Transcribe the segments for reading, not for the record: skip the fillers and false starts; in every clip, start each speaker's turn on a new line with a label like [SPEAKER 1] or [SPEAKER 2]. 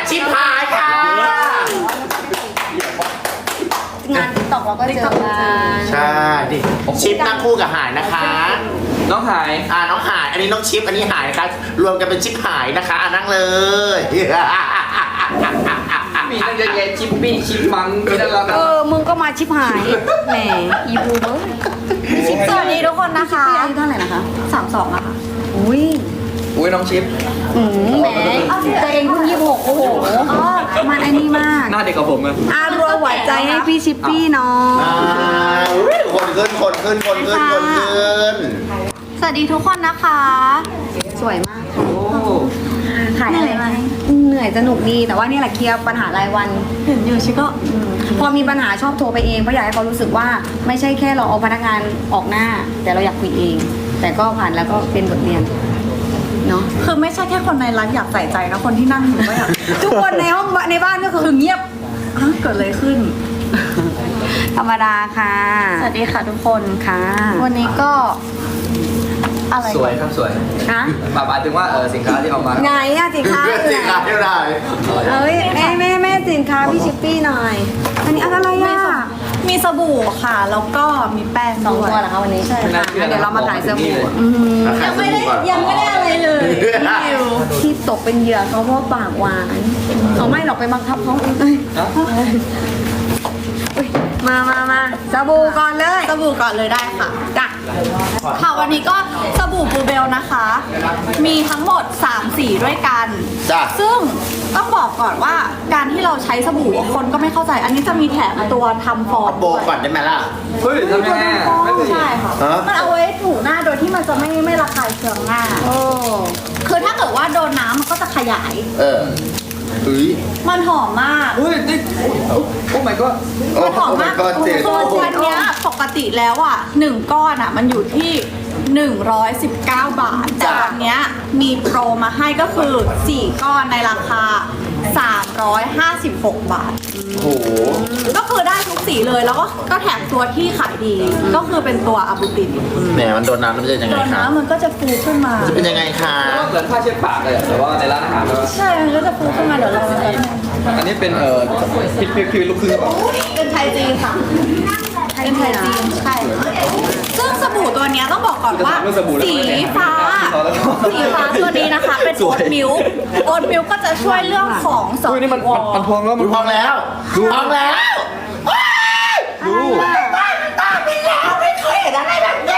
[SPEAKER 1] ชิปหายค่ะ
[SPEAKER 2] งานติ๊กต็อกเราก็เจอกัน
[SPEAKER 1] ใช่ดิชิปนั่งคู่กับหายนะคะ
[SPEAKER 3] น้องหาย
[SPEAKER 1] น้องหายอันนี้น้องชิปอันนี้หายนะคะรวมกันเป็นชิปหายนะคะนั่งเลย
[SPEAKER 3] มีตั้งเยอะแยะชิปปี้ชิปมังมีตั้งแล้วนะ
[SPEAKER 2] มึงก็มาชิบหายแหมอีบูเบอร์
[SPEAKER 4] สวัสดีทุกคนนะคะ
[SPEAKER 2] พี่อายุเท่าไหร่นะคะ
[SPEAKER 4] 32อะค่ะ
[SPEAKER 2] อุ้ย
[SPEAKER 3] อุ้ยน้องชิป
[SPEAKER 2] แหมตัวเองเพิ่ง26โอ้โหมันไอ้นี่มาก
[SPEAKER 3] หน้าเด็กกับผมอะ
[SPEAKER 2] รัวหัวใจให้พี่ชิปปี้เนาะ
[SPEAKER 1] คนขึ้นคนขึ้นคนขึ้นคนขึ้น
[SPEAKER 4] สวัสดีทุกคนนะคะ
[SPEAKER 2] สวยมากค่ะ
[SPEAKER 3] โอ้
[SPEAKER 2] ขายอะไรมาเหนื่อยสนุกดีแต่ว่านี่แหละเคลียร์ปัญหารายวัน
[SPEAKER 4] เห็นอยู่ชิก็
[SPEAKER 2] พอมีปัญหาชอบโทรไปเองเพราะอยากให้เขารู้สึกว่าไม่ใช่แค่เราเอาพนักงานออกหน้า แต่เราอยากคุยเอง แต่ก็ผ่านแล้วก็เป็นบทเรียนเนาะ
[SPEAKER 4] คือไม่ใช่แค่คนในร้านอยากใส่ใจนะคนที่นั่งอยู่ก็อยาก
[SPEAKER 2] ทุกคนในห้องในบ้านก็คือ
[SPEAKER 4] คือเงียบฮะเกิดอะไรขึ้น
[SPEAKER 2] ธรรมดาค่ะ
[SPEAKER 4] สวัสดีค่ะทุกคน
[SPEAKER 2] ค่ะ
[SPEAKER 4] วันนี้ก็อะไร
[SPEAKER 3] สวยครับสวย
[SPEAKER 2] นะ
[SPEAKER 3] หมายถึงว่าสินค้าที่เอามา
[SPEAKER 2] ไงอะสินค้า
[SPEAKER 1] สินค้าเท่าไหร่
[SPEAKER 2] เอ้ยแม่สินค้าพี่ชิปปี้หน่อยอันนี้อะไรอะ
[SPEAKER 4] มีสบู่ค่ะ แล้วก็มีแป้ง
[SPEAKER 2] สอง
[SPEAKER 4] ด้วย
[SPEAKER 2] ตัวเหรอคะวันนี้
[SPEAKER 4] ใช่
[SPEAKER 2] อ่ะเดี๋ยวเรามาขายสบู่อืม
[SPEAKER 4] ยังไม่ได้อะไรเลยพี่วิว
[SPEAKER 2] ที่ตกเป็นเหยื่อเขาเพราะปากหวานเขาไม่หรอกไปบังคับเขาเอ้ย
[SPEAKER 3] ฮะ
[SPEAKER 2] อุ๊ยมาสบู่ก่อนเลย
[SPEAKER 4] สบู่ก่อนเลยได้ค่ะ
[SPEAKER 2] จ้ะ
[SPEAKER 4] ค่ะวันนี้ก็สบู่บลูเบลนะคะ มีทั้งหมด3สีด้วยกัน
[SPEAKER 1] จ้ะ
[SPEAKER 4] ซึ่งต้องบอกก่อนว่าการที่เราใช้สบู่คนก็ไม่เข้าใจ อันนี้จะมีแถมตัวทำฟอง
[SPEAKER 1] โบก่อนได้ไหมล่ะ
[SPEAKER 3] เฮ้ยทำยังไงอะไม่เคย
[SPEAKER 4] ใช่ค่ะ
[SPEAKER 1] ฮะ
[SPEAKER 4] มันเอาไว้ถูหน้าโดยที่มันจะไม่ระคายเคืองหน้า
[SPEAKER 2] โอ้
[SPEAKER 4] คือถ้าเกิดว่าโดนน้ำมันก็จะขยาย
[SPEAKER 1] อุ้ย
[SPEAKER 4] มันหอมมาก
[SPEAKER 3] เฮ้ยนี่โอ้ my god
[SPEAKER 4] มันหอมมาก
[SPEAKER 1] ก็เจ็บ
[SPEAKER 4] คือวันเนี้ยปกติแล้วอ่ะ1ก้อนอ่ะมันอยู่ที่ 119 บาท แต่วันเนี้ยมีโปรมาให้ก็คือ 4 ก้อนในราคา 356 บาท
[SPEAKER 1] โอ้โห
[SPEAKER 4] ก็คือได้ทุกสีเลยแล้วก็แถมตัวที่ขายดี ก็คือเป็นตัวอะบูติน
[SPEAKER 1] แหมมันโดนน้ำมันจะยัง
[SPEAKER 4] โด
[SPEAKER 1] ไง
[SPEAKER 4] น
[SPEAKER 1] คะ
[SPEAKER 4] น้ำมันก็จะฟูขึ้นมา
[SPEAKER 1] จะเป็นยังไงคะ
[SPEAKER 3] เหมือนผ้าเช็ดปากเลยอะแต่ว่าในร้านอาหารแล้ว
[SPEAKER 4] ใช่ มันก็จะฟูขึ้นมาเดี๋ยวเราจะ
[SPEAKER 3] อันนี้เป็นพี่ลูกครึ่งหรือเปล่า
[SPEAKER 4] เป็นไทยจีนค่ะ เป็นไทยจีนใช่ ซึ่งสบู่ตัวเนี้ยต้องบอกก่อนว่าสีฟ้าตัวนี้นะคะ เป็นโอ๊ตมิลค์โอ๊ตมิลค์ก็จะช่วยเรื่องของส
[SPEAKER 3] อุ้ยนี่มันพองแล้ว
[SPEAKER 1] ดูพองแล้วดูพองแล้ว
[SPEAKER 3] ดู
[SPEAKER 1] ตาพี่แล้วไม่เคยเห็นอะไรแบบนี้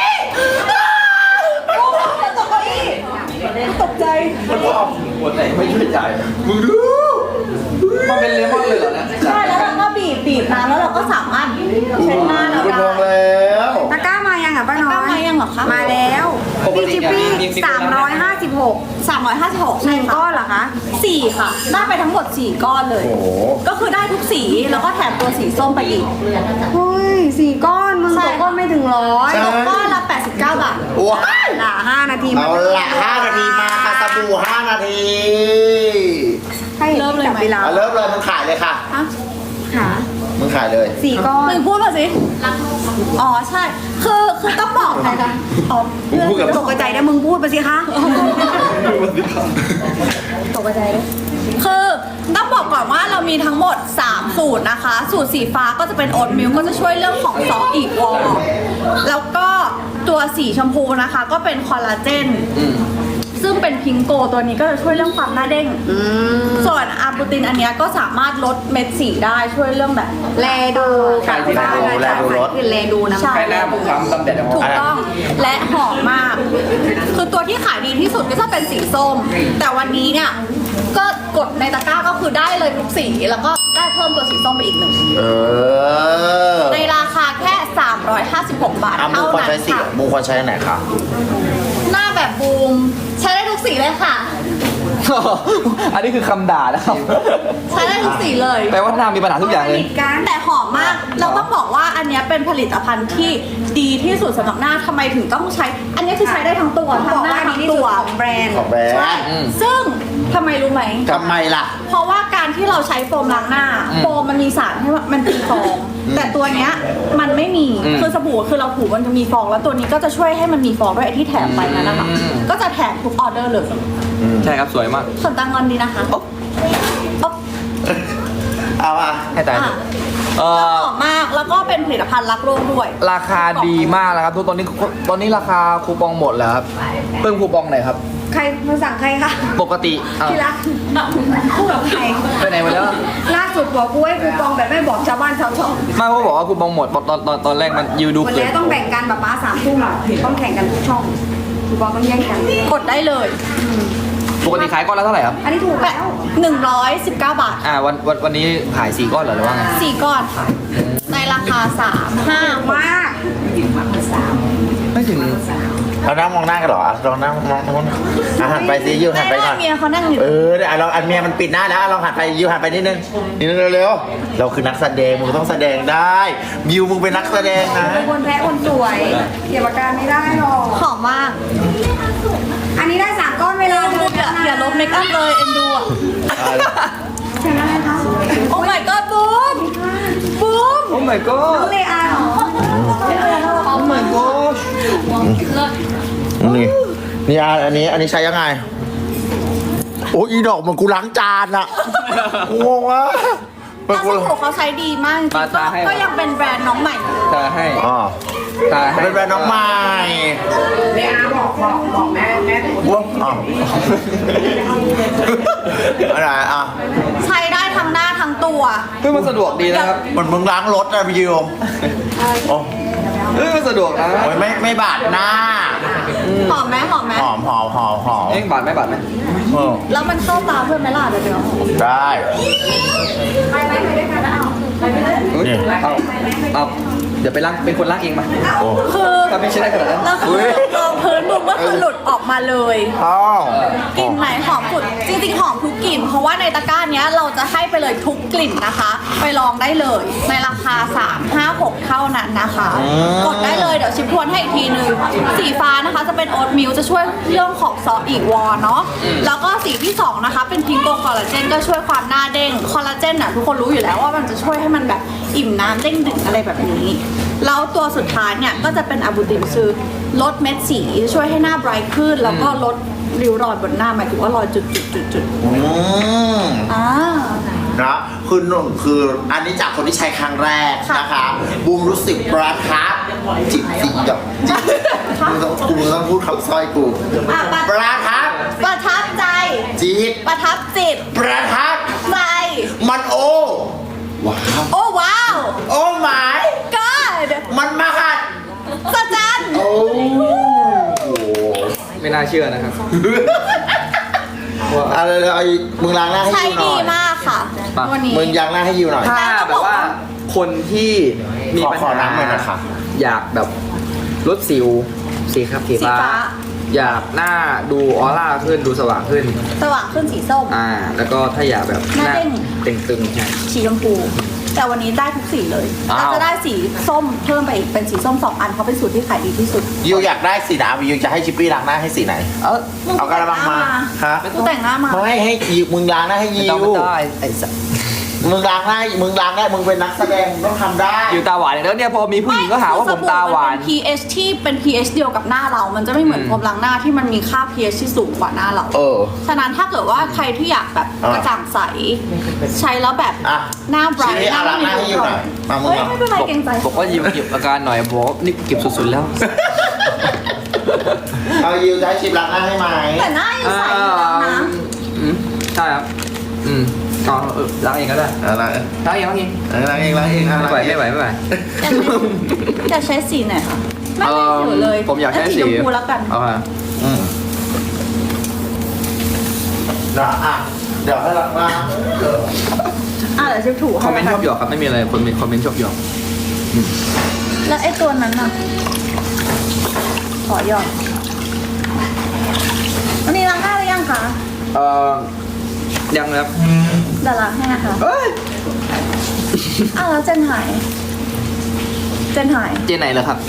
[SPEAKER 4] ตกเก้าอี้ตกใจ
[SPEAKER 3] มันพองหัวใจไม่ช่วยจ่าย
[SPEAKER 1] มึงดู
[SPEAKER 3] มันเป็นเลมอนเลยเหรอเนี่ย
[SPEAKER 4] ใช่แล้วเราก็บีบน้ำแล้วเราก็สามารถเช็ดหน้าเรา
[SPEAKER 1] ดูพ
[SPEAKER 4] ได้
[SPEAKER 1] องแล้ว
[SPEAKER 2] ตะกร้ามายังอ่ะป้าน้อย
[SPEAKER 4] ตะกร้ามายังเหรอคะ
[SPEAKER 2] มาแล้วพี่ชิปปี้356
[SPEAKER 4] 356
[SPEAKER 2] ห
[SPEAKER 4] ใช่
[SPEAKER 2] นึ่ง
[SPEAKER 4] ค่ะ
[SPEAKER 2] ก้อนเหรอคะ
[SPEAKER 4] 4 ค่ะ ได้ไปทั้งหมด 4 ก้อนเลย
[SPEAKER 1] โอ้โห
[SPEAKER 4] ก็คือได้ทุกสีแล้วก็แถมตัวสีส้มไปอีก
[SPEAKER 2] เฮ้ย4 ก้อนมึง
[SPEAKER 4] ใช่
[SPEAKER 2] ตกก้อนไม่ถึง100
[SPEAKER 1] ใช่
[SPEAKER 4] ตกก้อนละ89 บาท
[SPEAKER 1] ว้าย
[SPEAKER 2] ละ5 นาที
[SPEAKER 1] เอาละ5 นาทีมาค่ะสบู่5 นาที
[SPEAKER 2] ให้
[SPEAKER 4] เริ่มเลยไหม
[SPEAKER 2] จับเวลา
[SPEAKER 1] เอาเริ่มเลยมึงขายเลยค่ะ
[SPEAKER 4] ฮะ
[SPEAKER 2] ค่ะ
[SPEAKER 1] มึงขายเลย
[SPEAKER 2] 4 ก้อน
[SPEAKER 4] มึงพูดมาสิ อ๋อใช่ คือต้องบอกใครคะอ๋อ
[SPEAKER 1] มึงพูดกับ
[SPEAKER 2] ตกใจนะมึงพูดไปสิคะตกใจเลย
[SPEAKER 4] คือต้องบอกก่อนว่าเรามีทั้งหมด 3 สูตรนะคะ สูตรสีฟ้าก็จะเป็นโอ๊ตมิลค์ก็จะช่วยเรื่องของซอฟต์อีกวอลแล้วก็ตัวสีชมพูนะคะ ก็เป็นคอลลาเจน ซึ่งเป็นพิงโกตัวนี้ก็จะช่วยเรื่องความหน้าเด้ง ส่วนอาบูตินอันเนี้ยก็สามารถลดเม็ดสีได้ช่วยเรื่องแบบ
[SPEAKER 2] แลดูกับบ้านนะคะคือแลดูนะ
[SPEAKER 4] ใช่
[SPEAKER 3] ใครหน้าผมคล้ำดำแดด
[SPEAKER 4] ถูกต้องและหอมมาก คือตัวที่ขายดีที่สุดก็จะเป็นสีส้ม แต่วันนี้เนี่ย ก็กดในตะกร้าก็คือได้เลยทุกสี แล้วก็ได้เพิ่มตัวสีส้มไปอีกหนึ่ง
[SPEAKER 1] เออ
[SPEAKER 4] ในราคาแค่ 356 บาท
[SPEAKER 1] มู
[SPEAKER 4] เท่า
[SPEAKER 1] ควร
[SPEAKER 4] นั้น
[SPEAKER 1] ใช้สี
[SPEAKER 4] ค่ะ
[SPEAKER 1] มูควรใช้อันไหนคะ
[SPEAKER 4] หน้าแบบบูม ใช้ได้ทุกสีเลยค่ะ
[SPEAKER 3] อันนี้คือคำด่านะครับ
[SPEAKER 4] ใช้ได้ทุกสีเลย
[SPEAKER 3] แปลว่าหน้ามีปัญหาทุกอย่างเลย
[SPEAKER 4] แต่หอมมาก เราต้องบอกว่าอันเนี้ยเป็นผลิตภัณฑ์ที่ดีที่สุดสำหรับหน้าทำไมถึงต้องใช้ อันเนี้ยคือใช้ได้ทั้งตัว
[SPEAKER 2] บ
[SPEAKER 4] ทั้
[SPEAKER 2] อง ก
[SPEAKER 4] หน้า
[SPEAKER 2] ว่าดี
[SPEAKER 4] ทั้ง
[SPEAKER 2] ที่สุ
[SPEAKER 4] ตั
[SPEAKER 2] ด
[SPEAKER 4] ว
[SPEAKER 2] ของแบรนด์
[SPEAKER 1] ของแบรน
[SPEAKER 4] ใช่
[SPEAKER 1] ด์
[SPEAKER 4] ซึ่งทำไมรู้ไหม
[SPEAKER 1] ทำไมล่ะ
[SPEAKER 4] เพราะว่าการที่เราใช้โฟมล้างหน้า โฟมมันมีสารให้ว่ามันตีฟอง แต่ตัวเนี้ยมันไม่มี คือสบู่คือเราถูมันจะมีฟอง แล้วตัวนี้ก็จะช่วยให้มันมีฟองด้วยไอ้ที่แถมไปนั่นนะคะ ก็จะแถมทุกออเดอร์เลย
[SPEAKER 3] ใช่ครับสวยมาก
[SPEAKER 4] ส่วนตังเงินดีนะคะ
[SPEAKER 1] เอาอ่ะ
[SPEAKER 3] ให้ตายเถอะเอ
[SPEAKER 4] ห
[SPEAKER 3] อ
[SPEAKER 4] อมมากแล้วก็เป็นผลิตภัณฑ์รักโลกด้วย
[SPEAKER 3] ราคาดีมากแล้วครับทุกตอนนี้ราคาคูปองหมดแล้วครับเพิ่มคูปองไหนอยครับ
[SPEAKER 2] ใครมาสั่งใครคะ
[SPEAKER 3] ปกติอ้าว
[SPEAKER 2] ที่รักพูดกับใคร
[SPEAKER 3] ไปไหนมาแล้ว
[SPEAKER 2] ล่าสุดบอกกูให้กูปองแบบไม่บอกชาวบ้านชาวช่อง
[SPEAKER 3] ไม่เขาบอกว่าคูปองหมดตอนแรกมันยูดู
[SPEAKER 2] วัน
[SPEAKER 3] เกิ
[SPEAKER 2] นี้
[SPEAKER 3] น
[SPEAKER 2] ต้องแบ่งกันแบบป้า3 ทุ่มอ่ะต้องแข่งกันทุกช่องกูปองต้องแย่งกัน
[SPEAKER 4] กดได้เลย
[SPEAKER 3] ปกติขายก้อนละเท่าไหร่ครับ
[SPEAKER 2] อันนี้ถูก
[SPEAKER 4] แบ
[SPEAKER 2] แล้
[SPEAKER 4] บ
[SPEAKER 2] ว
[SPEAKER 4] 119 บาท
[SPEAKER 3] วันนี้ขาย4ก้อนเหรอหรือว่าไง
[SPEAKER 4] 4 ก้อนค่ะ ในราคา 3 5
[SPEAKER 2] มาก
[SPEAKER 3] ไม่ถึง
[SPEAKER 1] เรานั่งมองหน้ากันเหรอลองนั่งมองหันไปสิยูหันไปหน่อย
[SPEAKER 4] เมียเขานั่งอยู่
[SPEAKER 1] เดี๋ยวเราอันเมียมันปิดหน้าแล้วลองหันไปยูหันไปนิดนึงเร็วๆเราคือนักแสดงมึงต้องแสดงได้ยูมึงเป็นนักแสดงนะ
[SPEAKER 2] คนแพ้คนสวยเกี่ยวกับการไม่ได้หรอก
[SPEAKER 4] หอมมาก
[SPEAKER 2] อันนี้ได้3 ก้อนเวลาเดิน
[SPEAKER 4] อย่าลบเมคอัพเลยเอ็นดูอ่ะ
[SPEAKER 2] ใช่ไหมคะ
[SPEAKER 4] โอ้ my god บูมบูม
[SPEAKER 3] โอ้ my
[SPEAKER 2] น้
[SPEAKER 3] god
[SPEAKER 2] องเลอาเหรอ
[SPEAKER 3] โอ้ my god
[SPEAKER 1] นี่อันนี้ใช้ยังไงโอ้อีดอกมันกูล้างจานอะงงวะ
[SPEAKER 4] ตาสบู่เขาใช้ดีมากจริงๆก็ยังเป็นแบรนด์น้องใหม่
[SPEAKER 3] ตาให้
[SPEAKER 1] อ๋อ
[SPEAKER 3] ตาให้
[SPEAKER 1] เป็นแบรนด์น้องใหม่
[SPEAKER 2] เลอาบอกแม่
[SPEAKER 1] ว้าวอ๋ออะไรอ่ะ
[SPEAKER 4] ใช้ได้ทั้งหน้าทั้งตัว
[SPEAKER 3] เฮ้ยมันสะดวกดีนะครับ
[SPEAKER 1] เหมือนมึงล้างรถอะพี่ยูโอ้
[SPEAKER 3] เฮ้ยมันสะดวกนะ
[SPEAKER 1] โอ้ยไม่บาดหน้า
[SPEAKER 4] หอมไหมหอมไหม
[SPEAKER 1] หอม
[SPEAKER 3] เอ้งบาทไหมบาทไหม
[SPEAKER 1] เออ
[SPEAKER 4] แล้วมันเข้าตาเพื่อนไหมล่ะเดี๋ยว
[SPEAKER 1] ได้
[SPEAKER 2] ไปด้วยกันนะเอาไปด้วยกัน
[SPEAKER 3] เฮ้ยเอาเดี๋ยวไปล้างเป็นคนล้างเองมา
[SPEAKER 1] โอ้
[SPEAKER 4] คือ
[SPEAKER 3] ถ้าไม่ใช่ได้ขนาดนั้น
[SPEAKER 4] แล้วคือรองพื้นบุมก็คือหลุดออกมาเลย
[SPEAKER 1] อ้าว
[SPEAKER 4] กลิ่นไหนหอมสุดจริงๆหอมทุกกลิ่นเพราะว่าในตะกร้าเนี้ยเราจะให้ไปเลยทุกกลิ่นนะคะ ไปลองได้เลยในราคา 356 เท่านั้นนะคะ กดได้เลยเดี๋ยวชิมทวนให้อีกทีนึงสีฟ้านะคะจะเป็นโอ๊ตมิลจะช่วยเรื่องของซอฟต์อีกวอร์เนาะแล้วก็สีที่ 2 นะคะ เป็นพิงโกคอลลาเจนก็ช่วยความหน้าเด้งคอลลาเจนน่ะทุกคนรู้อยู่แล้วว่ามันจะช่วยให้มันแบบอิ่มน้ำเด้งดึงอะไรแบบนี้ แล้วตัวสุดท้ายเนี่ยก็จะเป็นอะบูตินคือลดเม็ดสีช่วยให้หน้าไบรท์ขึ้น แล้วก็ลดริ้วรอยบนหน้าหมายถึงว่ารอยจุดๆ
[SPEAKER 1] อืม
[SPEAKER 4] ๆอ่า
[SPEAKER 1] นะคืออันนี้จากคนที่ใช้ครั้งแรกนะคะบูมรู้สึกประทับจิตสีดอกจิตกูต้องพูดคำสร้อยกู
[SPEAKER 4] อ่ะ
[SPEAKER 1] ประทับ
[SPEAKER 4] ประทับใจ
[SPEAKER 1] จิต
[SPEAKER 4] ประทับจิต
[SPEAKER 1] ประทับ
[SPEAKER 4] ใจ
[SPEAKER 1] มันโอ้ว้าว
[SPEAKER 4] โอ้ว้าว
[SPEAKER 1] โอ้หมาย
[SPEAKER 4] God
[SPEAKER 1] มันมหัศ
[SPEAKER 4] สะจัน
[SPEAKER 1] โอ้โห
[SPEAKER 3] ไม่น่าเชื่อนะครับ
[SPEAKER 1] อะไรเลยไอ้มึงล้างหน้าให้
[SPEAKER 4] ใช้
[SPEAKER 1] ยูหน่
[SPEAKER 4] ดี
[SPEAKER 1] อย
[SPEAKER 4] มากค่ะ
[SPEAKER 3] มา
[SPEAKER 4] วันนี้
[SPEAKER 1] มึงล้างหน้าให้ยูหน่อย
[SPEAKER 3] ถ้าแบบว่าคนที่มีปัญ
[SPEAKER 1] ขอ
[SPEAKER 3] หา
[SPEAKER 1] น้ำหน่อยนะคะ
[SPEAKER 3] อยากแบบลดสิวสีครับสี
[SPEAKER 4] สี
[SPEAKER 3] ฟ้า
[SPEAKER 4] ฟ้า
[SPEAKER 3] อยากหน้าดูออร่าขึ้นดูสว่างขึ้น
[SPEAKER 4] สว่างขึ้นสีส้ม
[SPEAKER 3] แล้วก็ถ้าอยากแบบ
[SPEAKER 4] หน้าเด้ง
[SPEAKER 3] เต่งตึงใช่
[SPEAKER 4] สีชมพูแต่วันนี้ได้ทุกสีเลย
[SPEAKER 3] อ้าว
[SPEAKER 4] เราจะได้สีส้มเพิ่มไปอีกเป็นสีส้ม2 อันเพราะเป็นสูตรที่ขายดีที่สุด
[SPEAKER 1] ยูอยากได้สีดำยูจะให้ชิปปี้ล้างหน้าให้สีไหน เอากระมังมาฮะ
[SPEAKER 4] กูแต่งหน้ามา
[SPEAKER 1] ไม่ให้ยูมึงล้างหน้าให้
[SPEAKER 3] ไม่
[SPEAKER 1] ยู
[SPEAKER 3] ต้องไม่ได้ไอ้สัส
[SPEAKER 1] มึงล้างได้มึงเป็นนักแสดงมึงต้องทำได้
[SPEAKER 3] อยู่ตาหวานแล้วเนี่ยพอมีผู้หญิงก็หาว่าผมตาหวาน
[SPEAKER 4] ไม่คือสบู่มันเป็น pH ที่เป็น pH เดียวกับหน้าเรา มันจะไม่เหมือนพรมล้างหน้าที่มันมีค่า pH ที่สูงกว่าหน้าเรา
[SPEAKER 1] เออ
[SPEAKER 4] ฉะนั้นถ้าเกิดว่าใครที่อยากแบบ
[SPEAKER 1] อ่ะ
[SPEAKER 4] กระจ่างใส ใช้แล้วแบบ
[SPEAKER 1] อ่ะ
[SPEAKER 4] หน้าไบรท์
[SPEAKER 1] ชี้เอาล้างหน้าให้ยูหน่อยมามึง
[SPEAKER 4] เฮ้ย
[SPEAKER 1] อ่ะ
[SPEAKER 4] ไม่เป็นไรเกรงใจ
[SPEAKER 3] บอกว่ายิ้มเก็บอาการหน่อยบอกว่านี่เก็บสุดๆแล้ว
[SPEAKER 1] เอายูจะให้ชิปล้างหน้าให้ไหม
[SPEAKER 4] แต่หน้ายังใสอยู่แล้วนะ
[SPEAKER 3] ใช่ครับเอาล้างเองก็ได้
[SPEAKER 1] อะไร
[SPEAKER 3] ล้างเองล้างเอง
[SPEAKER 1] ล้างเอง
[SPEAKER 3] ไม่ไหว
[SPEAKER 4] อยากใช้สีไหนคะไม่ได้อยู่เลย
[SPEAKER 3] ผมอยากใช้สี
[SPEAKER 4] ชมพูแล้วกัน
[SPEAKER 3] เอาค่ะ
[SPEAKER 1] เดี๋ยวให้ล้างหน้า
[SPEAKER 4] เดี๋ยวชิมถู
[SPEAKER 3] คอมเมนต์ชอบหยอกครับไม่มีอะไรคนคอมเมนต์ชอบหยอก
[SPEAKER 4] แล้วไอ้ตัวนั้นน่ะ ขอหยอดวันนี้ล้างหน้าหรือยังคะ
[SPEAKER 3] ยังครับ
[SPEAKER 4] เดี๋ยวล้างให้นะคะ
[SPEAKER 3] เอ้ย
[SPEAKER 4] แล้วเจนหาย
[SPEAKER 3] เจนไหนเหรอครับ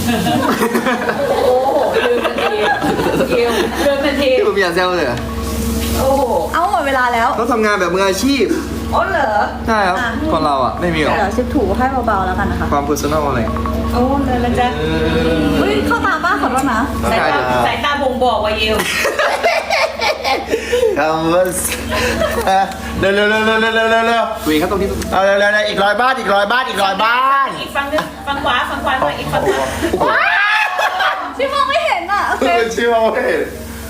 [SPEAKER 3] ที่ผมอยากแซวเลยเหรอ
[SPEAKER 4] เอาหมดเวลาแล้ว
[SPEAKER 3] เขาทำงานแบบมืออาชีพ
[SPEAKER 2] อ๋อเหรอ
[SPEAKER 3] ใช่ครับคนเราอ่ะไม่มีหรอก
[SPEAKER 4] เดี๋ยวชิมถูให้เบาๆแล้วกันนะคะ
[SPEAKER 3] ความ personal อะไร
[SPEAKER 2] โอ้เลยละจ๊ะ
[SPEAKER 4] เฮ้ยเข้าตาป้าขอโทษนะ
[SPEAKER 3] ร่างกายเดี๋ยว
[SPEAKER 2] สายตาบ่งบอกว่าเยว
[SPEAKER 1] คำว่าเร็วเร็วเร็วเร็วเร็วเร็วเร็วเร็ว
[SPEAKER 3] คุยครับตรงนี้
[SPEAKER 1] เอาเร็วเร็วเร็วอีก100 บ้านอีก100 บ้านอีก100 บ้าน
[SPEAKER 5] อีกฝั่งหนึงฝั่งขวามาอีกฝั่งหนึง
[SPEAKER 4] ที่มองไม่เห็นอ่ะโอเค
[SPEAKER 1] ชื่อว่าไม่เห็น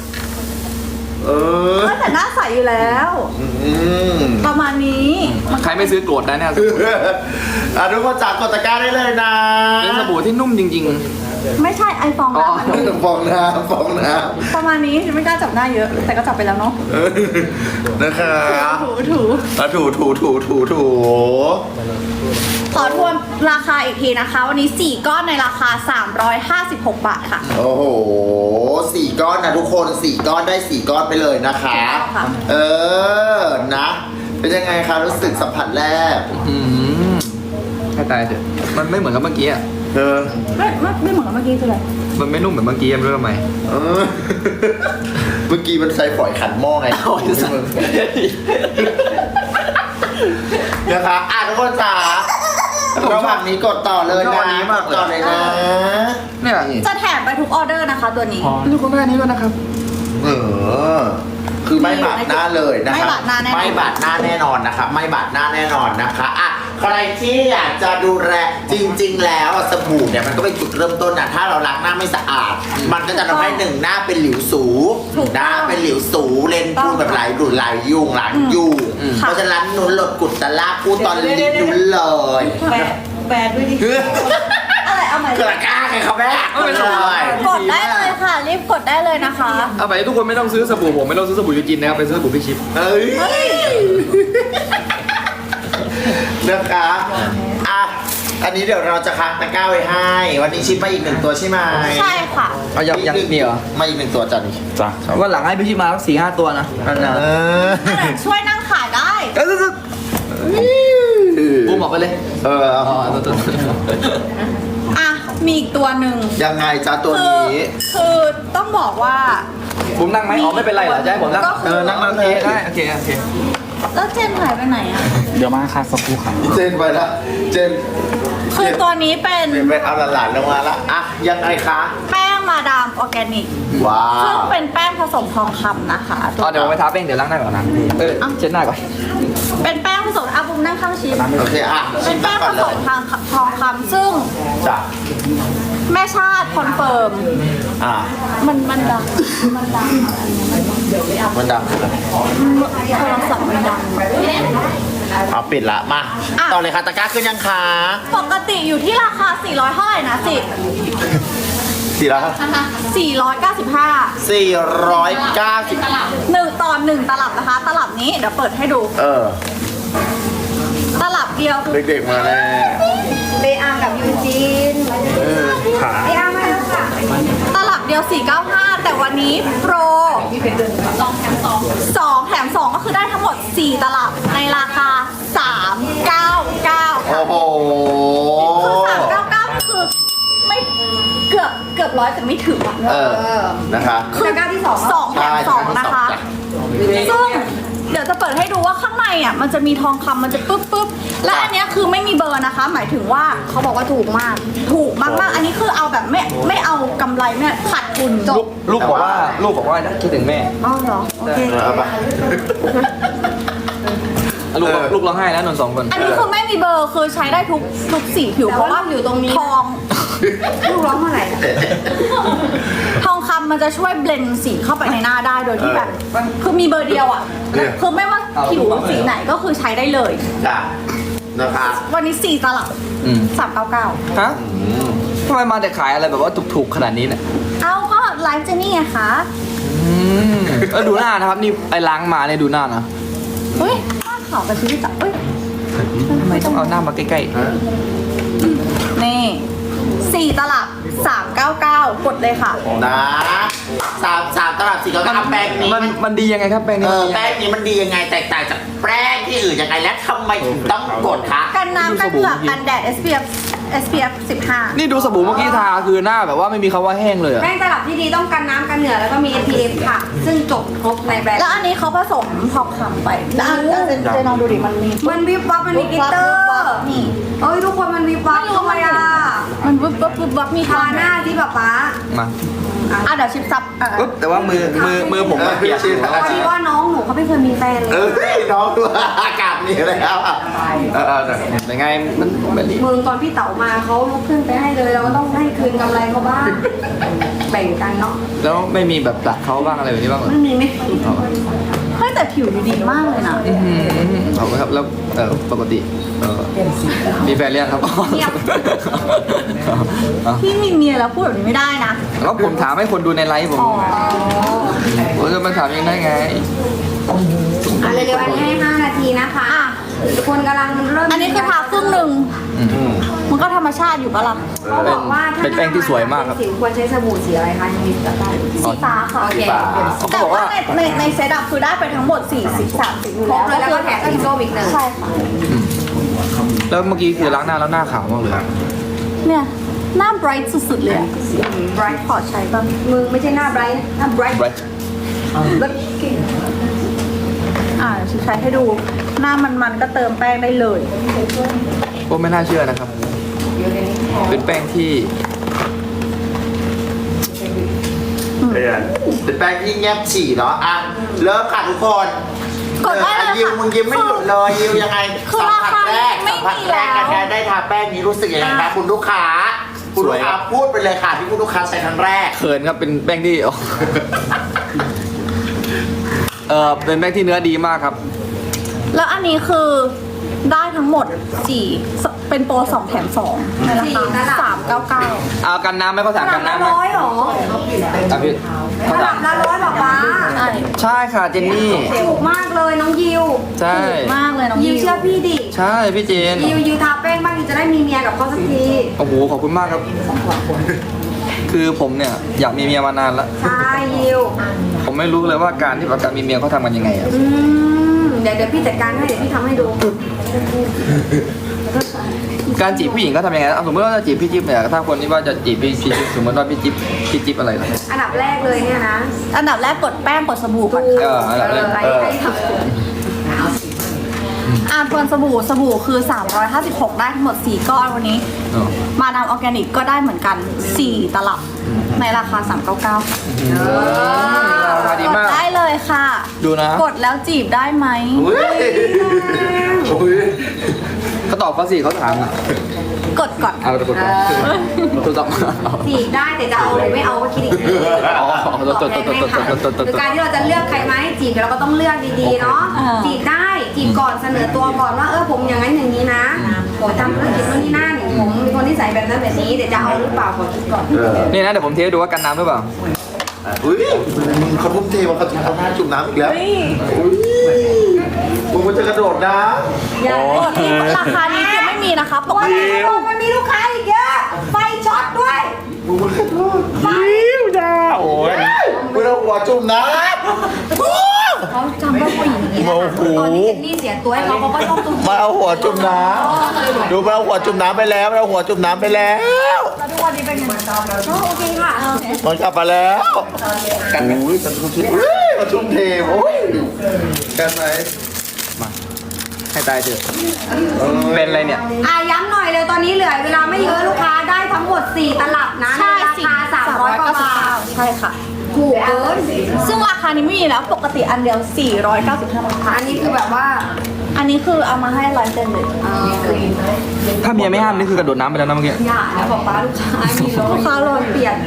[SPEAKER 4] แต่หน้าใสอยู่แล้ว ประมาณนี้
[SPEAKER 3] ใครไม่ซื้อโกรธได้เนี่ย
[SPEAKER 1] ทุกคนจากกดตะกร้าได้เลยนะ
[SPEAKER 3] เป็นสบู่ที่นุ่มจริง
[SPEAKER 4] ไม่ใช่ไอฟองน้ำมัน
[SPEAKER 1] ฟองน้ำฟองน้
[SPEAKER 4] ประมาณนี้ไม่กล้าจับหน้าเยอะ แต่ก็จับไปแล้วเนาะ
[SPEAKER 1] ำนะคะ
[SPEAKER 4] ถู
[SPEAKER 1] ถู
[SPEAKER 4] ขอทวนราคาอีกทีนะคะ วันนี้ 4 ก้อนในราคา 356 บาทค่ะ
[SPEAKER 1] โอ้โห4 ก้อนนะทุกคน4 ก้อนได้4 ก้อนไปเลยนะคะ
[SPEAKER 4] ค่ะ
[SPEAKER 1] นะ เป็นยังไงคะรู้สึกสัมผัสแรก
[SPEAKER 3] ๆให้ตายเถอะมันไม่เหมือนกับเมื่อกี้อ่ะ
[SPEAKER 4] ไม่เหมือนกับเมื่อกี้คืออะไร
[SPEAKER 3] มันไม่นุ่มเหมือนเมื่อกี้ไม่รู้ทำไม
[SPEAKER 1] เมื่อกี้มันใช้ฝอยขันหม้อไง
[SPEAKER 3] โอ้ยสัตว์
[SPEAKER 1] นะคะทุกคนจ๋าระหว่างนี้กดต่อเลย
[SPEAKER 3] ชอบอั
[SPEAKER 1] นะ
[SPEAKER 3] นนี้มากเลย
[SPEAKER 1] ต่อเลยนะ
[SPEAKER 3] เนี่ย
[SPEAKER 4] จะแถมไปทุกออเดอร์นะคะตัวนี้
[SPEAKER 3] ดูคุณแม่นี้ด้วยนะครับ
[SPEAKER 1] คือไม่บาดหน้าเลยนะคะ
[SPEAKER 4] ไม่บาดหน้าแน่นอน
[SPEAKER 1] ไม่บาดหน้าแน่นอนนะคะไม่บาดหน้าแน่นอนนะคะใครที่อยากจะดูแลจริง ๆ แล้วสบู่เนี่ยมันก็เป็นจุดเริ่มต้นนะถ้าเราล้างหน้าไม่สะอาด มันก็จะทำให้หน้าเป็นหลิวสู
[SPEAKER 4] ถูก
[SPEAKER 1] ห
[SPEAKER 4] ต้
[SPEAKER 1] น้า
[SPEAKER 4] อง
[SPEAKER 1] เป็นหลิวสูเลนพูดแบบไหลดูดไหลยุงหลังยุง
[SPEAKER 4] ค่ะ
[SPEAKER 1] เพราะฉะนั้นนุ้นหลดกุดตะลากพูดตอนลิ้นนุ้นเลย
[SPEAKER 5] แปดด้วยดิ
[SPEAKER 4] อะไรเอาใหม่
[SPEAKER 1] กระก้าไงครับแม่
[SPEAKER 3] เอาไปเลย
[SPEAKER 4] กดได้เลยค่ะ รีบกดได้เลยนะคะ
[SPEAKER 3] เอาไปทุกคนไม่ต้องซื้อสบู่ผมไม่ต้องซื้อสบู่ยูจินนะครับไปซื้อสบู่พี่ชิป
[SPEAKER 1] เอ้ยนะคะอันนี้เดี๋ยวเราจะค้างตะกร้าไว้ให้ วันนี้ชิปมาอีก1 ตัวใช่ไหม
[SPEAKER 4] ใช่ค่ะ
[SPEAKER 3] เอายังมีเหรอ
[SPEAKER 1] มาอีก1 ตัวจ้ะนี่
[SPEAKER 3] จ้ะวันหลังให้พี่ชิปมาสัก4-5 ตัวนะนั่นนะ
[SPEAKER 4] ช่วยนั่งขายได้
[SPEAKER 3] บูมบอกไปเลย
[SPEAKER 1] เอา
[SPEAKER 3] อ๋อตัว
[SPEAKER 4] อ่ะ มีอีกตัวหนึ่ง
[SPEAKER 1] ยังไงจ้าตัว
[SPEAKER 4] คือ
[SPEAKER 1] นี้
[SPEAKER 4] คือต้องบอกว่า
[SPEAKER 3] บูมนั่งไหมอ๋อไม่เป็นไรเหรอจะให้ผมนั่ง
[SPEAKER 4] ก็คือ
[SPEAKER 1] นั่ง
[SPEAKER 3] โอเคได้โอเค
[SPEAKER 4] แล้วเจนหายไปไหนอ่ะ
[SPEAKER 6] เดี๋ยวมาค่ะสักครู่ค่ะ
[SPEAKER 1] เจนไปละเจน
[SPEAKER 4] คือตัวนี้เป็น
[SPEAKER 1] ไปเอาหลานๆลงมาละยังไงคะ
[SPEAKER 4] แป้งมาดามออร์แกนิก
[SPEAKER 1] ว้า
[SPEAKER 4] ซึ่ง
[SPEAKER 1] ว
[SPEAKER 4] เป็นแป้งผสมทองคำนะคะ
[SPEAKER 3] อ๋อเดี๋ยวผมไปทาแป้งเดี๋ยวล้างหน้าก่อนนะเช็ดหน้าก่อน
[SPEAKER 4] เป็นแป้งผสมอาบุมนั่งข้างชิป
[SPEAKER 1] โอเคชิ
[SPEAKER 4] เป็
[SPEAKER 1] ม
[SPEAKER 4] นแป้ง
[SPEAKER 1] ก่
[SPEAKER 4] ผ
[SPEAKER 1] อนเล
[SPEAKER 4] ส
[SPEAKER 1] ย
[SPEAKER 4] มทองคำซึ่ง
[SPEAKER 1] จ้ะ
[SPEAKER 4] แม่ชาติคอนเฟิร์ม มันดัง
[SPEAKER 1] มันดัง
[SPEAKER 4] โทรศัพท์มันดัง
[SPEAKER 1] เอาปิดละมา
[SPEAKER 4] อ่ะ
[SPEAKER 1] ต่อเลยค่ะตะกร้าขึ้นยังคะ
[SPEAKER 4] ปกติอยู่ที่ราคา 400เท่าไหร่นะสิ
[SPEAKER 1] 495
[SPEAKER 4] 495 1 ต่อ 1 ตลับนะคะ ตลับนี้เดี๋ยวเปิดให้ดู ตลับเดียวคือ
[SPEAKER 1] เด็กๆมาแน่
[SPEAKER 2] เบอากับยูจินเบอามาแล้วค่ะ
[SPEAKER 4] ตลับเดียว 495 แต่วันนี้โปร2 แถม 2 ก็คือได้ทั้งหมด 4 ตลับในราคา 399 ค่ะ
[SPEAKER 1] โอ้โห
[SPEAKER 4] คือ399คือไม่เกือบร้อยแต่ไม่ถึงอ่ะ
[SPEAKER 1] นะคะ
[SPEAKER 4] คือ
[SPEAKER 2] ตะกร้าที่สอง
[SPEAKER 4] สองแถมสองนะคะ ซึ่งเดี๋ยวจะเปิดให้ดูว่าข้างในอ่ะมันจะมีทองคำมันจะปึ๊บและอันเนี้ยคือไม่มีเบอร์นะคะ หมายถึงว่า
[SPEAKER 2] เขาบอกว่าถูกมาก
[SPEAKER 4] ถูกมากๆ อันนี้คือเอาแบบไม่เอากำไรไม่ขาดทุนจบ
[SPEAKER 3] ลูกบอกว่าคิดถึงแม่
[SPEAKER 2] อ๋อเหรอ โอเค
[SPEAKER 1] เอาไป
[SPEAKER 3] ลูกร้องไห้แล้วนนท์2 คน
[SPEAKER 4] อันนี้คือไม่มีเบอร์คือใช้ได้ทุกสีผิว
[SPEAKER 2] แต่
[SPEAKER 4] เพ
[SPEAKER 2] ว่า
[SPEAKER 4] ราะว่า
[SPEAKER 2] อยู่ตรงนี้
[SPEAKER 4] ทอง
[SPEAKER 2] ลูกร้องเมื่อไหร่
[SPEAKER 4] ทองคำมันจะช่วยเบลนด์สีเข้าไปในหน้าได้โดยที่แบบคือมีเบอร์เดียวอ่ะคือไม่ว่าผิวสีไหนก็คือใช้ได้เลย
[SPEAKER 1] จ้ะนะคะ
[SPEAKER 4] วันนี้4 ตลับ 399
[SPEAKER 3] ฮะทำไมมาแต่ขายอะไรแบบว่าถูกๆขนาดนี้เนี่ย
[SPEAKER 4] เอาก็ไลฟ์เจนี่ไงคะ
[SPEAKER 3] ดูหน้านะครับนี่ไอ้ล้างมาเนี่ยดูหน้านะ
[SPEAKER 4] เฮ้ยผ้าขาวกับชีวิตจับเฮ้ย
[SPEAKER 3] ทำไมต้องเอาหน้ามาใกล้
[SPEAKER 4] นี่4 ตลับ 399 กดเลยค่ะ
[SPEAKER 1] นะ3 ตลับ4 ก็เอาแป้งนี้
[SPEAKER 3] มันดียังไงครับแป้งนี้มันดียังไง
[SPEAKER 1] แป้งนี้มันดียังไงแตกต่างจากแป้งที่อื่นยังไงและทำไมถึงต้องกดคะ
[SPEAKER 4] กันน้ำกันเหงื่อกันแดด SPF 15
[SPEAKER 3] นี่ดูสบู่เมื่อกี้ทาคือหน้าแบบว่าไม่มีคำว่าแห้งเลยอะ
[SPEAKER 2] แป้งตลับที่ดีต้องกันน้ำกันเหงื่อแล้วก็มี SPF ค่ะ ซึ่งจบครบในแบรนด์
[SPEAKER 4] แล้วอันนี้เขาผสมทองคำไปแล้วเจนลองดูดิมันมี
[SPEAKER 2] มันวิบวับมันมีกลิตเตอร์
[SPEAKER 4] นี่
[SPEAKER 2] เอ้ยทุกคนมันวิบวับเข้ามาอ่ะ
[SPEAKER 4] มันวุบวับวุบวับมี
[SPEAKER 2] ทาหน้าที่ป๊าป๊า
[SPEAKER 3] มา
[SPEAKER 4] เดี๋ยวชิปซับ
[SPEAKER 3] ปุ๊บแต่ว่ามือผมมันเปียกอยู่
[SPEAKER 2] พอดีว่าน้องหนูไม่เคยมีแฟนเลย
[SPEAKER 1] น้องดูอากาศนี่แล้วอ่ะ
[SPEAKER 3] แต่ไงมันแบบนี้
[SPEAKER 2] มึงตอนพี่เต๋ามาเขาลุกขึ้นไปให้เลยเราก็ต้องให้คืนกำไรเขาบ้าง แบ่งกันเนาะ
[SPEAKER 3] แล้วไม่มีแบบตักเขาบ้างอะไรแบบนี้บ้างเหรอ
[SPEAKER 2] ไม่มีไหม
[SPEAKER 4] เฮ้ยแต่ผิวดูดีมากเลยนะ
[SPEAKER 3] เอาไหมครับแล้วปกติมีแฟนเรียงครับ
[SPEAKER 4] พี่มีเมียแล้วพูดแบบนี้ไม่ได้นะ
[SPEAKER 3] แล้วผมถามให้คนดูในไลฟ์ผมผมจะมาถามยังได้ไง
[SPEAKER 2] เร็วๆอันนี้ให้5 นาทีนะคะทุกคนกำลังเริ่ม
[SPEAKER 4] อันนี้คือทาครึ่งหนึ่งมันก็ธรรมชาติอยู่ปะล่ะ
[SPEAKER 2] เขาบอกว่าถ้า
[SPEAKER 3] เป็นแป้งที่สวยมากครับ
[SPEAKER 2] สิวควรใช้สบู่สีอะไรคะยังมีกับได้
[SPEAKER 4] สีฟ้าค่ะ
[SPEAKER 2] โอเค
[SPEAKER 3] เขา
[SPEAKER 4] แต่
[SPEAKER 3] บอก
[SPEAKER 4] ว่า
[SPEAKER 3] ว่า
[SPEAKER 4] ในเซตอัพคือได้ไปทั้งหมด40 30อยู่
[SPEAKER 2] ครบ
[SPEAKER 4] แล้ว
[SPEAKER 2] เลยแล้วก็แถมสีส้มอีกหนึ่ง
[SPEAKER 4] ใช่ค่ะ
[SPEAKER 3] แล้วเมื่อกี้คือล้างหน้าแล้วหน้าขาวมากเลย
[SPEAKER 4] เนี่ยหน้า bright สุดๆเลยอะ bright ขอใช้บ้าง
[SPEAKER 2] มึงไม่ใช่หน้าไบรท์หน้าไบรท์
[SPEAKER 3] Bright
[SPEAKER 2] แบบเก่ง
[SPEAKER 4] ฉันใช้ให้ดูหน้ามันๆก็เติมแป้งได้เลย
[SPEAKER 3] ก็ไม่น่าเชื่อนะครับ เป็นแป้งที่
[SPEAKER 1] เป็นแป้งที่แงบฉี่เนาะอ่ะเริ่มค่ะทุกคน
[SPEAKER 4] กดได้เลยค่ะ
[SPEAKER 1] ยิวมึงยิ้มไม่หยุดเลยยิวยังไง
[SPEAKER 4] คือ
[SPEAKER 1] สัมผัสแรก
[SPEAKER 4] ราคาไม่
[SPEAKER 1] สัมผัส
[SPEAKER 4] มี
[SPEAKER 1] แรก
[SPEAKER 4] แล้ว
[SPEAKER 1] การได้ทาแป้งนี้รู้สึกยังไงคะคุณลูกค้าคุณลูกค้าพูดไปเลยค่ะที่คุณลูกค้าใช้ครั้งแรก
[SPEAKER 3] เขินครับเป็นแป้งที่ เป็นแป้งที่เนื้อดีมากครับ
[SPEAKER 4] แล้วอันนี้คือได้ทั้งหมด4เป็นโปร2 แถม 2ในราคา399
[SPEAKER 3] เอากันน้ำไหมเขาสั่ง
[SPEAKER 2] ระ
[SPEAKER 3] กั
[SPEAKER 2] ดั
[SPEAKER 3] น
[SPEAKER 2] บละ
[SPEAKER 3] น้ำไหม
[SPEAKER 2] ร้อยเหรอ
[SPEAKER 3] อ่ะพี่เขา
[SPEAKER 2] ระ
[SPEAKER 3] สั่
[SPEAKER 2] ดั
[SPEAKER 3] ง
[SPEAKER 2] บละร้อยบอกว่า
[SPEAKER 4] ใช่
[SPEAKER 3] ใช่ค่ะเจนนี่
[SPEAKER 2] ถูกมากเลยน้องยิว
[SPEAKER 3] ใช่
[SPEAKER 4] ถูกมากเลยน้อง
[SPEAKER 2] ยิวเชื่อพี่ดิ
[SPEAKER 3] ใช่พี่เจน
[SPEAKER 2] ยิวทาแป้งบ้างยิวจะได้มีเมียกับเขาสักที
[SPEAKER 3] โอ้โหขอบคุณมากครับ คือผมเนี่ยอยากมีเมียมานานแล้ว
[SPEAKER 2] ใช่ยิว
[SPEAKER 3] ผมไม่รู้เลยว่าการที่แบบการมีเมียเขาทำกันยังไงอะ
[SPEAKER 2] เดี๋ยวพี่จัดการให้เดี๋ยวพี่ทำให้ดู
[SPEAKER 3] การจีบผู้หญิงเขาทำยังไงเอาสมมติว่าจะจีบพี่จิ๊บเนี่ยถ้าคนที่ว่าจะจีบพี่จิ๊บสมมติว่าพี่จิ๊บอะไรล่ะ
[SPEAKER 2] อันดับแรกเลยเนี่ยนะ
[SPEAKER 4] อันดับแรกกดแป้งกดสบู่ก่อน
[SPEAKER 3] อันดับแรก
[SPEAKER 2] ไอ้ทำ
[SPEAKER 4] ทวนสบู่คือ 356 ได้ทั้งหมด 4 ก้อนวันนี้ มาดามออร์แกนิกก็ได้เหมือนกัน 4 ตลับในราคา 399
[SPEAKER 3] ราคาดี
[SPEAKER 4] กด
[SPEAKER 3] มาก
[SPEAKER 4] ได้เลยค่ะ
[SPEAKER 3] ดูนะ
[SPEAKER 4] กดแล้วจีบได้ไหม
[SPEAKER 3] เขาตอบเขาสิเขาถามอะ
[SPEAKER 4] กดก่อน
[SPEAKER 3] เอากดก่อนโทรศัพท์
[SPEAKER 2] จีบได้แต่จะเอาหรือไม่เอาก็คิดอีกที
[SPEAKER 3] อ๋อ
[SPEAKER 2] คือการที่เราจะเลือกใครไหมจีบเราก็ต้องเลือกดีๆเนาะจีบได้จีบก่อนเสนอตัวก่อนว่าผมอย่างนั้นอย่างนี้นะผมทำธุรกิจโน่นนี่นั่นผมเป็นคนที่ใส่แบบนั้นแบบนี้แต่จะเอาหรือเปล่าขอคิดก่อน
[SPEAKER 3] นี่นะเดี๋ยวผมเทให้ดูว่ากันน้ำหรือเปล่า
[SPEAKER 1] อุ้ยมึงเขาทุ่มเทว่าเขาจะเอาหน้าจุ่มน้ำอีกแล้วมึงมันจะกระโดดน้ำ
[SPEAKER 2] อย่า
[SPEAKER 4] กดที่ราคานี้คือไม่มีนะคะปกติ
[SPEAKER 2] มันมีลูกค้าอีกเยอะไฟช็อตด้วย
[SPEAKER 1] มึงมันกระโดดยิ้วจ้าโอ้ยมึงเอาหัวจุ่มน้ำ
[SPEAKER 2] เขาจำว่าผู้หญิงอย่างนี้นะตอนที่เจนนี่เสียตัวให้เขาก็ชอบตุ้ม
[SPEAKER 1] มาเอาหัวจุ่มน้ำดูมาเอาหัวจุ่มน้ำไปแล้วมาเอาหัวจุ่มน้ำไปแล้ว
[SPEAKER 2] ทุกวันนี้เป็นยังไงโอเคค่ะ
[SPEAKER 1] มันกลับมาแล้วกันไหมอุ้ยมันทุ่มเทมันทุ่มเทโอ้ยกันไหม
[SPEAKER 3] มาให้ตายเถอะเป็นอะไรเนี่ย
[SPEAKER 2] ย้ำหน่อยเลยตอนนี้เหลือเวลาไม่เยอะลูกค้าได้ทั้งหมด4ตลับนะใน
[SPEAKER 4] ใช่
[SPEAKER 2] ราคา300กว่าบาท
[SPEAKER 4] ใช่ค่ะ
[SPEAKER 2] ถูกเกิน
[SPEAKER 4] ซึ่งราคานี้ไม่มีแล้วปกติอันเดียว 495 บาท
[SPEAKER 2] อันนี้คือแบบว่า
[SPEAKER 4] อันนี้คือเอามาให้100%เลย
[SPEAKER 3] ถ้าเมียไม่ห้ามนี่คือกระโดดน้ำไปแล้วนะเมื่อกี้
[SPEAKER 2] อย่านะบอกป้าลูกค้ามีรถลูกค้าโรยเปลี่ยน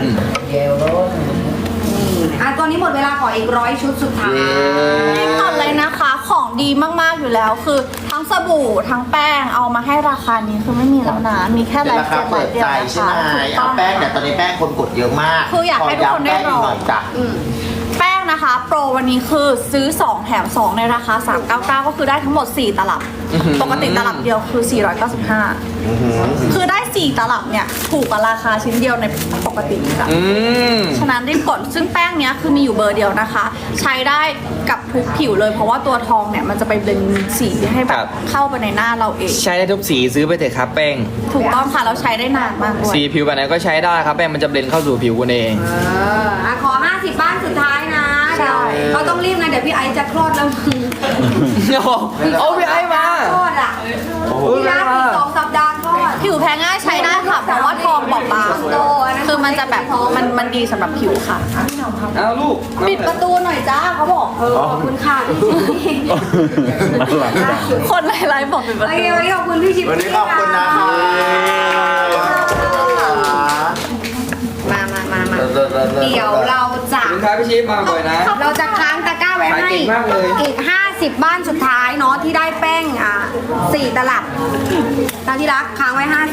[SPEAKER 2] ตอนนี้หมดเวลาขออีก100 ชุดสุดท้าย
[SPEAKER 4] นี่ก่อนเลยนะคะ ของดีมากๆอยู่แล้ว คือทั้งสบู่ทั้งแป้งเอามาให้ราคานี้คือไม่มีแล้วนะ มีแค่
[SPEAKER 1] เป็น
[SPEAKER 4] ไล
[SPEAKER 1] รา
[SPEAKER 4] ฟ์
[SPEAKER 1] คา
[SPEAKER 4] เซ็ต
[SPEAKER 1] เปิด
[SPEAKER 4] เดียว
[SPEAKER 1] ใจ
[SPEAKER 4] นะ
[SPEAKER 1] ใช่
[SPEAKER 4] คะ
[SPEAKER 1] ไหม
[SPEAKER 4] ถูกต้
[SPEAKER 1] เอา
[SPEAKER 4] อง
[SPEAKER 1] แป้งเนี่ยตอนนี้แป้งคนกดเยอะมาก
[SPEAKER 4] คืออยากให้ทุกคนได้ลอง
[SPEAKER 1] ขย้ำแป้งกหน่อยจ้ะ
[SPEAKER 4] แป้งนะคะ โปรวันนี้คือซื้อ 2 แถม 2 ในราคา 399 ก็คือได้ทั้งหมด 4 ตลับ ปกติตลับเดียวคือ 495 คือได้ 4 ตลับเนี่ยถูกกว่าราคาชิ้นเดียวในปกติค่ะ ฉะนั้นรีบกดซึ่งแป้งเนี้ยคือมีอยู่เบอร์เดียวนะคะ ใช้ได้กับทุกผิวเลย เพราะว่าตัวทองเนี่ยมันจะไปเบลนด์สีให้แบ
[SPEAKER 3] ครับ บ
[SPEAKER 4] เข้าไปในหน้าเราเอง
[SPEAKER 3] ใช้ได้ทุกสีซื้อไปเถอะครับแป้ง
[SPEAKER 4] ถูกต้องค่ะแล้วใช้ได้นานมากด้วย
[SPEAKER 3] สีผิวแบบไหนก็ใช้ได้ครับแป้งมันจะเบลนเข้าสู่ผิวคุณเอง
[SPEAKER 2] ขอ50 บ้านสุดท้ายนะเดี๋ยวเราต้องรีบนะเดี๋ยวพี่ไอซ์จะคลอดแล้วมึง
[SPEAKER 3] เอาพี่ไอ้มา
[SPEAKER 2] คลอดอ่ะพี่รักอีก2 สัปดาห์คลอด
[SPEAKER 4] ผิวแพ้ง่ายใช้ได้ค่ะ เพราะว่าทองบอบบางคือมันจะแบบมันดีสำหรับผิวค่ะ
[SPEAKER 3] เอาลูก
[SPEAKER 4] ปิดประตูหน่อยจ้าเขาบอก
[SPEAKER 2] ขอบคุณค่ะพี่ชิป
[SPEAKER 4] คนไลฟ์บอกปิดประ
[SPEAKER 2] โอ
[SPEAKER 4] ตู
[SPEAKER 2] เควันนี้ขอบคุณพี่ชิป
[SPEAKER 1] วันนี้ขอบคุณนะคะ
[SPEAKER 2] มาเดี๋ยวเราจะ
[SPEAKER 3] ขอบคุณครับพี่ชิปมาบ่อยนะ
[SPEAKER 2] เราจะค้างตะกร้าไว้
[SPEAKER 3] ขาย
[SPEAKER 2] ให้
[SPEAKER 3] เก่งมากเลย
[SPEAKER 2] อีก 50 บ้านสุดท้ายเนาะที่ได้แป้ง4 ตลับตามที่รักค้างไว้50